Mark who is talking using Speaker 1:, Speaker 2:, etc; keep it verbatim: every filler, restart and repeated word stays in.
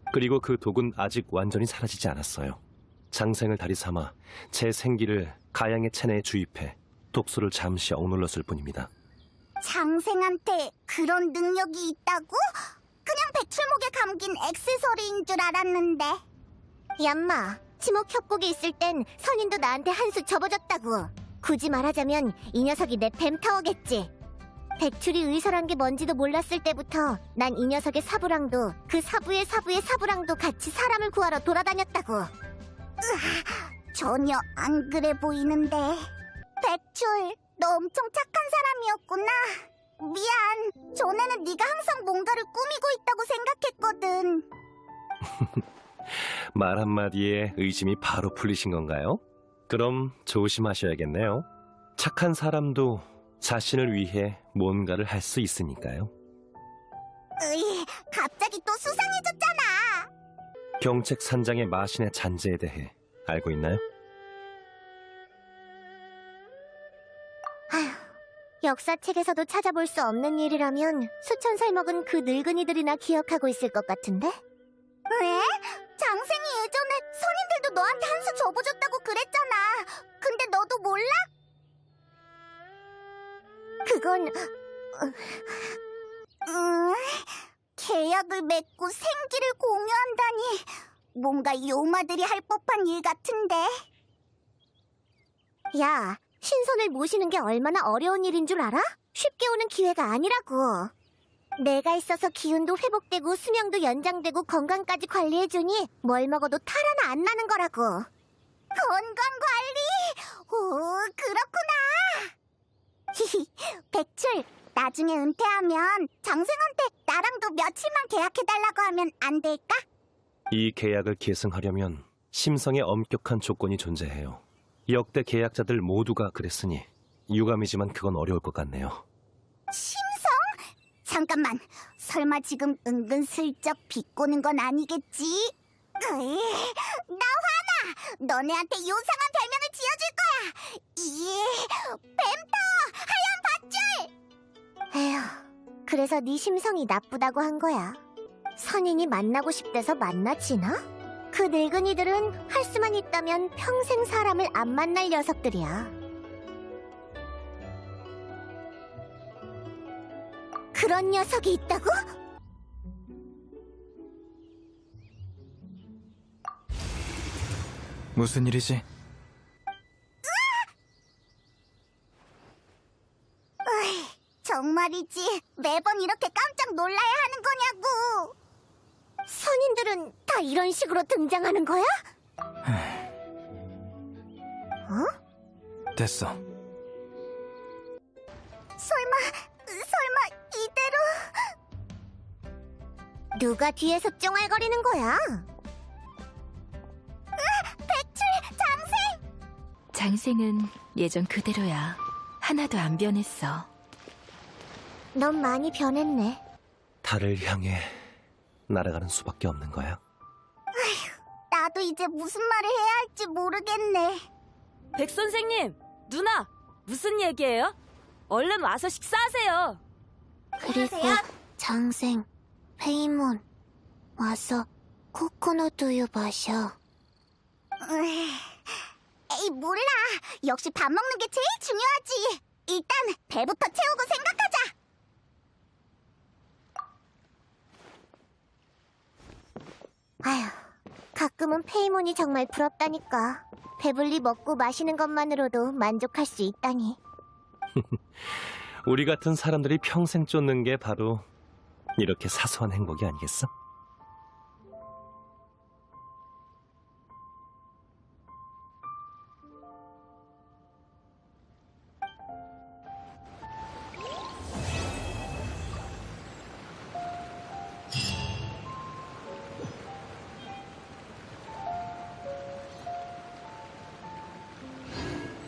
Speaker 1: 그리고 그 독은 아직 완전히 사라지지 않았어요. 장생을 다리 삼아 제 생기를 가양의 체내에 주입해 독소를 잠시 억눌렀을 뿐입니다.
Speaker 2: 장생한테 그런 능력이 있다고? 그냥 백출목에 감긴 액세서리인 줄 알았는데. 얌마, 지목 협곡에 있을 땐 선인도 나한테 한 수 접어줬다고. 굳이 말하자면 이 녀석이 내 뱀타워겠지. 백출이 의설한 게 뭔지도 몰랐을 때부터 난 이 녀석의 사부랑도 그 사부의 사부의 사부랑도 같이 사람을 구하러 돌아다녔다고. 으아, 전혀 안 그래 보이는데. 백출, 너 엄청 착한 사람이었구나. 미안, 전에는 네가 항상 뭔가를 꾸미고 있다고 생각했거든.
Speaker 1: 말 한마디에 의심이 바로 풀리신 건가요? 그럼 조심하셔야겠네요. 착한 사람도 자신을 위해 뭔가를 할 수 있으니까요.
Speaker 2: 으이, 갑자기 또 수상해졌잖아.
Speaker 1: 경책 산장의 마신의 잔재에 대해 알고 있나요?
Speaker 2: 아휴, 역사책에서도 찾아볼 수 없는 일이라면 수천 살 먹은 그 늙은이들이나 기억하고 있을 것 같은데? 왜? 장생이 예전에 선인들도 너한테 한 수 접어줬다고 그랬잖아. 근데 너도 몰라? 그건... 음... 계약을 맺고 생기를 공유한다니... 뭔가 요마들이 할 법한 일 같은데? 야, 신선을 모시는 게 얼마나 어려운 일인 줄 알아? 쉽게 오는 기회가 아니라고. 내가 있어서 기운도 회복되고 수명도 연장되고 건강까지 관리해주니 뭘 먹어도 탈 하나 안 나는 거라고. 건강관리? 오, 그렇구나. 히히, 백출, 나중에 은퇴하면 장생한테 나랑도 며칠만 계약해달라고 하면 안 될까?
Speaker 1: 이 계약을 계승하려면 심성에 엄격한 조건이 존재해요. 역대 계약자들 모두가 그랬으니 유감이지만 그건 어려울 것 같네요.
Speaker 2: 심성? 잠깐만, 설마 지금 은근슬쩍 비꼬는 건 아니겠지? 으이, 나 화나! 너네한테 요상한 별명을 지어줄 거야! 이 뱀타워 하얀 밧줄! 에휴, 그래서 네 심성이 나쁘다고 한 거야. 선인이 만나고 싶대서 만나지나? 그 늙은이들은 할 수만 있다면 평생 사람을 안 만날 녀석들이야. 그런 녀석이 있다고?
Speaker 3: 무슨 일이지?
Speaker 2: 으이, 정말이지. 매번 이렇게 깜짝 놀라야 하는 거냐고. 선인들은 다 이런 식으로 등장하는 거야? 어?
Speaker 3: 됐어.
Speaker 2: 설마, 설마 이대로... 누가 뒤에서 쫑알거리는 거야? 으, 백출, 장생!
Speaker 4: 장생은 예전 그대로야. 하나도 안 변했어.
Speaker 2: 넌 많이 변했네.
Speaker 1: 달을 향해 날아가는 수밖에 없는 거야.
Speaker 2: 나도 이제 무슨 말을 해야 할지 모르겠네.
Speaker 5: 백 선생님, 누나, 무슨 얘기예요? 얼른 와서 식사하세요.
Speaker 2: 그리고 장생, 페이몬, 와서 코코넛 우유 마셔. 에이, 몰라. 역시 밥 먹는 게 제일 중요하지. 일단 배부터 채우고 생각하자. 아휴, 가끔은 페이몬이 정말 부럽다니까. 배불리 먹고 마시는 것만으로도 만족할 수 있다니.
Speaker 1: 우리 같은 사람들이 평생 쫓는 게 바로 이렇게 사소한 행복이 아니겠어?